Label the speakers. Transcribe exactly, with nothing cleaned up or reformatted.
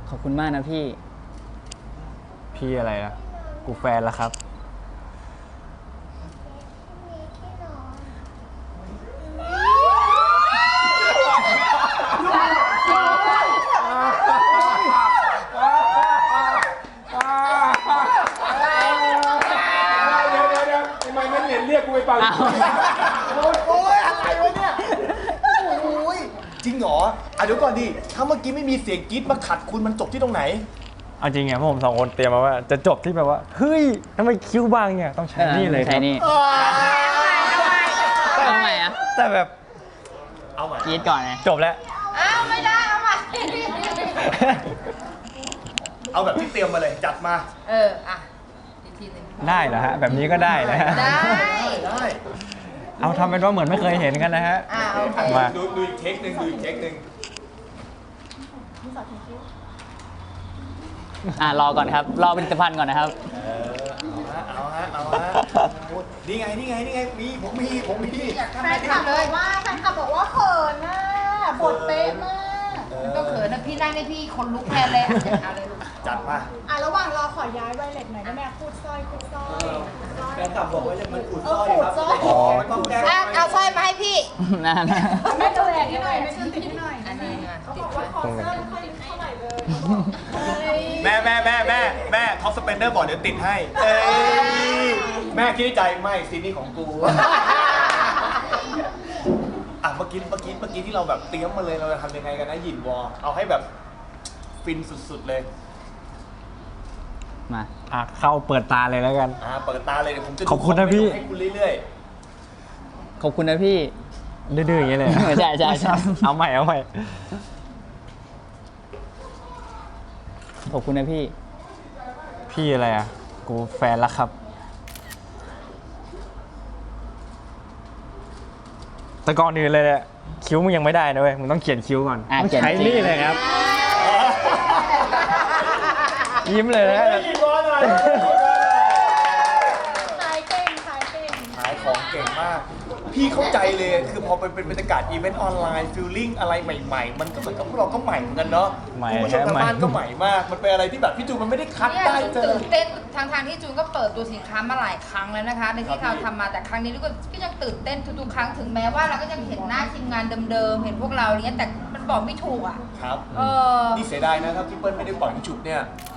Speaker 1: ขอบคุณมากนะพี่
Speaker 2: พี่อะไรล่ะกูแฟนแล้วครับ
Speaker 3: เรียกกูไปฟังโอ้ยอะไรวะเนี่ยโอ้ยจริงเหรออ่ะเดี๋ยวก่อนดิถ้าเมื่อกี้ไม่มีเสียงกรี๊ดมาขัดคุณมันจบที่ตรงไหน
Speaker 2: เอาจริงไงพวกผมสองคนเตรียมมาว่าจะจบที่แบบว่าเฮ้ยทำไมคิ้วบางเนี่ยต้องใช้นี่เลย
Speaker 1: ใช้นี่เอาใหม่อะ
Speaker 2: แต่แบบ
Speaker 3: เอาใหม่
Speaker 1: กรีดก่อนไง
Speaker 2: จบแล้ว
Speaker 4: อ้าวไม่ได้เอาใหม่
Speaker 3: เอาแบบที่เตรียมมาเลยจัดมา
Speaker 4: เอออ่ะอีกทีหนึ่ง
Speaker 2: ได้เหรอฮะแบบนี้ก็ได้นะฮะ
Speaker 4: ได้
Speaker 3: ได้
Speaker 2: เอาทำเป็นว่าเหมือนไม่เคยเห็นกันนะฮะ
Speaker 4: อ่าโอเค
Speaker 2: มา
Speaker 3: ดูดูอีกเทคหนึ่งดูอีกเทคหนึ่ง
Speaker 1: อ่ารอก่อนครับรอผลิตภัณฑ์ก่อนนะครับ
Speaker 3: เอาฮะเอาฮะนี่ไงนี่ไงนี่ไงมีผมมีผมมี
Speaker 4: แฟนคลับเลยว่าแฟนคลับบอกว่าเขินน่ะบทเป๊ะมากมันก็เขินนะพี่นั่งในพี่คนลุกแทนเลยเอาเลย
Speaker 3: จัดมา
Speaker 5: อ่ะระหว่างรอขอย้ายไวเลตหน่อยได้ไหมขูดสร้อยขูดสร้อย
Speaker 3: แฟนคลับบอกว่าจะมันขูดสร้อยครับ
Speaker 4: อ๋อเอาสร้อยมาให้พี่
Speaker 1: นั่น
Speaker 5: ไม่ตัวแหลกนิดหน่อยไม่ช่วยติดนิดหน่อย
Speaker 4: อันนี้
Speaker 5: เขาบอกว่าขอเสื้อไม่ค่อยเท่าไหร่เลย
Speaker 3: แม่แม่แม่แม่แม่ท็อปสเปนเดอร์บอกเดี๋ยวติดให้เอ้ยแม่คิดในใจไม่ซีนี่ของกูอ่ะเมื่อกี้เมื่อกี้เมื่อกี้ที่เราแบบเตรียมมาเลยเราจะทำยังไงกันนะหยินวอเอาให้แบบฟินสุดๆเลย
Speaker 1: มา
Speaker 2: อ่ะเข้าเปิดตาเลยแล้วกัน
Speaker 3: อ่าเปิดตาเลยเดี๋ยวผมจะ
Speaker 2: ขอบคุณนะพี่
Speaker 3: ให้คุณเรื่อย
Speaker 1: ขอบคุณนะพี่
Speaker 2: ดื้อๆอย่างเงี้ยเลย
Speaker 1: ใช่ใช่ใช่
Speaker 2: เอาใหม่เอาใหม่
Speaker 1: ขอบคุณนะพี่
Speaker 2: พี่อะไรอ่ะกูแฟนแล้วครับแต่ก่อนอื่นเลยเนี่ยคิ้วมึงยังไม่ได้นะเว้ยมึงต้องเขียนคิ้วก่อนต้องใช้นี่เลยครับยิ้มเลยนะ
Speaker 3: ๆหยินวอหน่อย
Speaker 5: ขายเก่งขายเก่ง
Speaker 3: ขายของเก่งมากพี่เข้าใจเลยคือพอเป็นบรรยากาศอีเวนต์ออนไลน์ฟิลลิ่งอะไรใหม่ๆมันก็เหมือนกับพวกเราก็ใหม่เหมือนกันเนาะคุณผู้ชมทางบ้านก็ใหม่มากมันเป็นอะไรที่แบบพี่จูมันไม่ได้คัดได้เจอ
Speaker 4: ตื่นเต้นทางทางที่จูนก็เปิดตัวสินค้ามาหลายครั้งแล้วนะคะในที่เราทำมาแต่ครั้งนี้ก็ก็ยังตื่นเต้นทุกๆครั้งถึงแม้ว่าเราก็ยังเห็นหน้าทีมงานเดิมๆเห็นพวกเราเนี้ยแต่มันบอกไม่ถูกอ่ะ
Speaker 3: ครับ
Speaker 4: เออ
Speaker 3: นี่เสียดายนะครับที่เปิ้ลไม่ได้ปล่อยพี่จุบเนี่ย